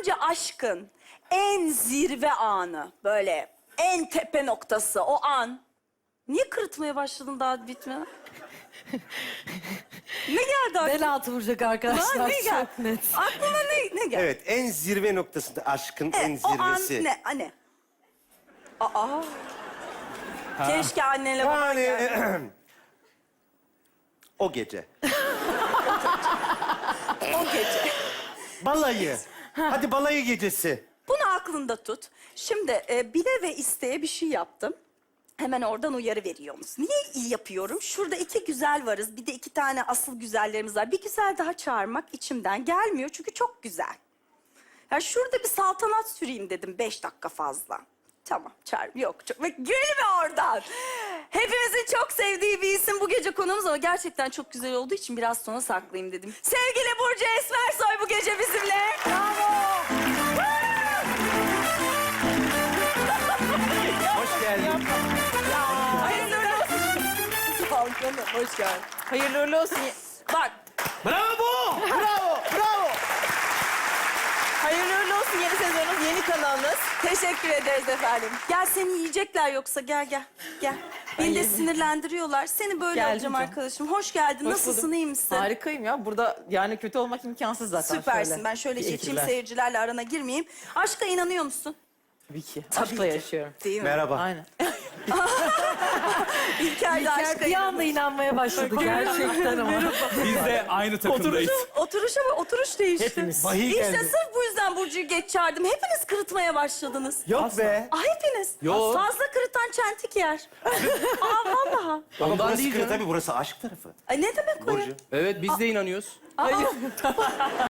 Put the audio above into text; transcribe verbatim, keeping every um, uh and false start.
Sence aşkın en zirve anı, böyle en tepe noktası o an. Niye kırıtmaya başladın daha bitmeden? Ne geldi aklına? Bel altı vuracak arkadaşlar. Lan ne geldi? Çok net. Aklına ne, ne geldi? Evet, en zirve noktasında aşkın en Evet, o an zirvesi. ne? Anne. Aa. Keşke annenle baban Yani geldi. o gece. O gece. Balayı. Hadi balayı gecesi. Bunu aklında tut. Şimdi e, bile ve isteye bir şey yaptım. Hemen oradan uyarı veriyorsunuz. Niye iyi yapıyorum? Şurada iki güzel varız. Bir de iki tane asıl güzellerimiz var. Bir güzel daha çağırmak içimden gelmiyor. Çünkü çok güzel. Ya şurada bir saltanat süreyim dedim. Beş dakika fazla. Tamam çağır. Yok çok. Ve gülme oradan. Hepimizin çok sevdiği bir isim bu gece konuğumuz ama gerçekten çok güzel olduğu için biraz sonra saklayayım dedim. Sevgili Burcu Esmersoy bu gece bizimle. Bravo. Hoş geldin. Hayırlı olsun. Balkona hoş geldin. Hayırlı uğurlu olsun. Bak, Bravo! Bravo! Bravo! Hayırlı uğurlu olsun yeni sezonunuz, yeni kanalınız. teşekkür ederiz efendim. Gel seni yiyecekler yoksa gel gel. Gel. Beni de yedim. sinirlendiriyorlar. Seni böyle Geldim yapacağım canım. arkadaşım. Hoş geldin. Hoş Nasılsın, buldum. iyi misin? Harikayım ya. Burada yani kötü olmak imkansız zaten. Süpersin. Ben şöyle Bir geçeyim, ekipler. seyircilerle arana girmeyeyim. Aşka inanıyor musun? Tabii ki. Tabii Aşkla ki. yaşıyorum. Değil mi? Merhaba. Aynen. İlker de İlker aşka bir anda inanıyor. inanmaya başladı gerçekten ama. Biz de aynı takımdayız. Oturuşa bak, oturuş değişti. Hepimiz. Vahiy İşte geldi. sırf bu yüzden Burcu'yu geç çağırdım. Hepiniz kırıtmaya başladınız. Yok be. Ah hepiniz. Yok. Fazla kırıtan çentik yer. Aa vallahi. Ondan burası değil kırı, canım. tabii burası aşk tarafı. Ay ne demek o ya? Burcu. Evet biz de inanıyoruz. Aa.